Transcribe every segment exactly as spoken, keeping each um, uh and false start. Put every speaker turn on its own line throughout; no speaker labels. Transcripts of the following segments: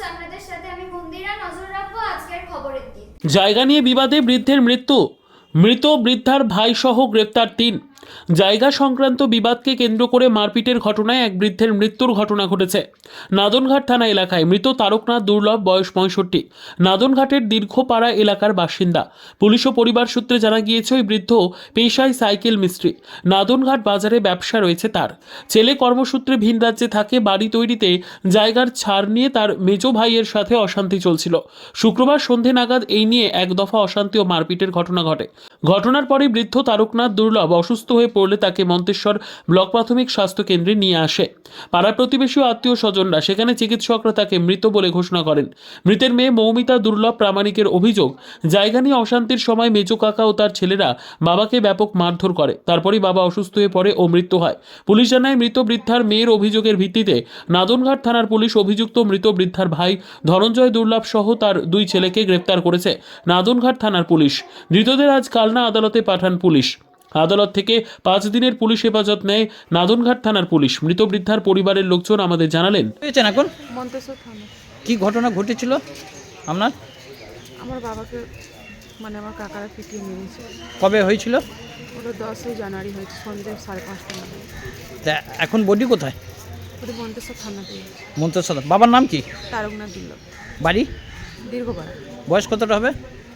আপনাদের সাথে আমি মন্দিরা নজর রাখবো আজকের খবরের দিক।
জায়গা নিয়ে বিবাদে বৃদ্ধের মৃত্যু, মৃত বৃদ্ধার ভাই সহ গ্রেপ্তার তিন। জায়গা সংক্রান্ত বিবাদকে কেন্দ্র করে মারপিটের ঘটনায় এক বৃদ্ধের মৃত্যুর ঘটনা ঘটেছে নাদনঘাট থানা এলাকায়। মৃত তারকনাথ দুর্লভ, বয়স পঁয়ষট্টি, নাদনঘাটের দীর্ঘপাড়া এলাকার বাসিন্দা। পুলিশ ও পরিবার সূত্রে জানা গিয়েছে ওই বৃদ্ধ পেশায় সাইকেল মিস্ত্রি। নাদনঘাট বাজারে ব্যবসা রয়েছে তার। ছেলে কর্মসূত্রে ভিন রাজ্যে থাকে। বাড়ি তৈরিতে জায়গার ছাড় নিয়ে তার মেজ ভাইয়ের সাথে অশান্তি চলছিল। শুক্রবার সন্ধে নাগাদ এই নিয়ে এক দফা অশান্তি ও মারপিটের ঘটনা ঘটে। ঘটনার পরে বৃদ্ধ তারকনাথ দুর্লভ অসুস্থ হয়ে পড়লে তাকে মন্তেশ্বর ব্লক প্রাথমিক স্বাস্থ্য কেন্দ্রে নিয়ে আসে পাড়া প্রতিবেশী ও আত্মীয় স্বজনরা। সেখানে চিকিৎসকরা তাকে মৃত বলে ঘোষণা করেন। মৃতের মেয়ে মৌমিতা দুর্লভ প্রামাণিকের অভিযোগ, জায়গা নিয়ে অশান্তির সময় মেজো কাকা ও তার ছেলেরা বাবাকে ব্যাপক মারধর করে। তারপরই বাবা অসুস্থ হয়ে পড়ে ও মৃত্যু হয়। পুলিশ জানায় মৃত বৃদ্ধার মেয়ের অভিযোগের ভিত্তিতে নাদনঘাট থানার পুলিশ অভিযুক্ত মৃত বৃদ্ধার ভাই ধনঞ্জয় দুর্লভ সহ তার দুই ছেলেকে গ্রেপ্তার করেছে নাদনঘাট থানার পুলিশ। ধৃতদের আজ কালনা আদালতে পাঠান পুলিশ। আদালত থেকে পাঁচ দিনের পুলিশ হেফাজত নেয় নাদনঘাট থানার পুলিশ। মৃত বৃদ্ধার পরিবারের লোকজন আমাদের জানালেন,
এখন
মন্তেশ্বর থানা।
কি ঘটনা ঘটেছিল আপনার?
আমার বাবাকে মানে আমার কাকারা পিটিয়ে মেরেছে।
কবে হয়েছিল?
ওটা দশই জানুয়ারি হয়েছে, সন্ধ্যে সাড়ে পাঁচটা নাগাদ।
তা এখন বডি কোথায়?
ওটা মন্তেশ্বর থানাতে।
মন্তেশ্বর। বাবার নাম কি?
তারকনাথ দুর্লভ,
বাড়ি?
দীর্ঘপাড়া।
বয়স কতটা হবে?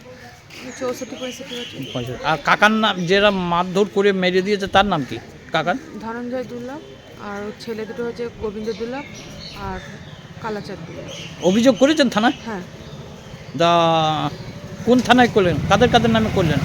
চৌষট্টি পঁয়ষট্টি বছর।
আর কাকার নাম, যারা মারধর করে মেরে দিয়েছে তার নাম কি? কাকার
ধনঞ্জয় দুর্লভ, আর ওর ছেলে দুটো হচ্ছে গোবিন্দ দুর্লভ আর কালাচাঁদ দুর্লভ।
অভিযোগ করেছেন থানায়?
হ্যাঁ।
দা কোন থানায় করলেন? কাদের কাদের নামে করলেন?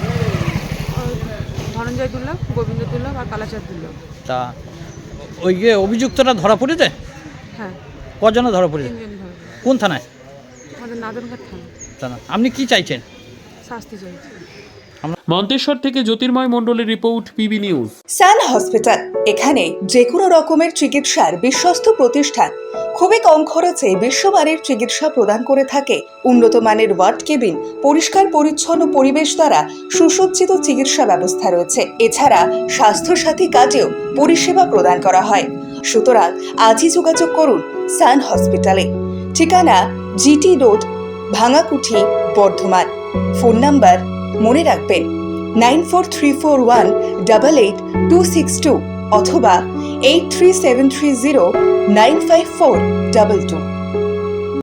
ওই ধনঞ্জয় দুর্লভ, গোবিন্দ দুর্লভ আর কালাচাঁদ দুর্লভ।
তা ওই যে অভিযুক্তরা ধরা পড়েছে?
হ্যাঁ,
কজনে ধরা পড়েছে?
তিনজন ধরে।
কোন থানায়?
আমাদের নাদনঘাট থানা।
থানা। আপনি কি চাইছেন?
শাস্তি চাইছে।
মন্তেশ্বর থেকে জ্যোতির্ময় মণ্ডলের report, PB news.
Sun hospital, এখানে যে কোনো রকমের চিকিৎসার বিশ্বস্ত প্রতিষ্ঠান। খুবই কম খরচে বিশ্বমানের চিকিৎসা প্রদান করে থাকে। উন্নত মানের ওয়ার্ড কেবিন, পরিষ্কার পরিচ্ছন্ন পরিবেশ দ্বারা সুসজ্জিত চিকিৎসা ব্যবস্থা রয়েছে। এছাড়া স্বাস্থ্য সাথী কাজেও পরিষেবা প্রদান করা হয়। সুতরাং আজই যোগাযোগ করুন সান হসপিটালে। ঠিকানা GT road, Bhangakuthi, Bardhaman. Phone number মনে রাখবেন nine four three four one double eight two six two অথবা eight three seven three zero nine five four double two.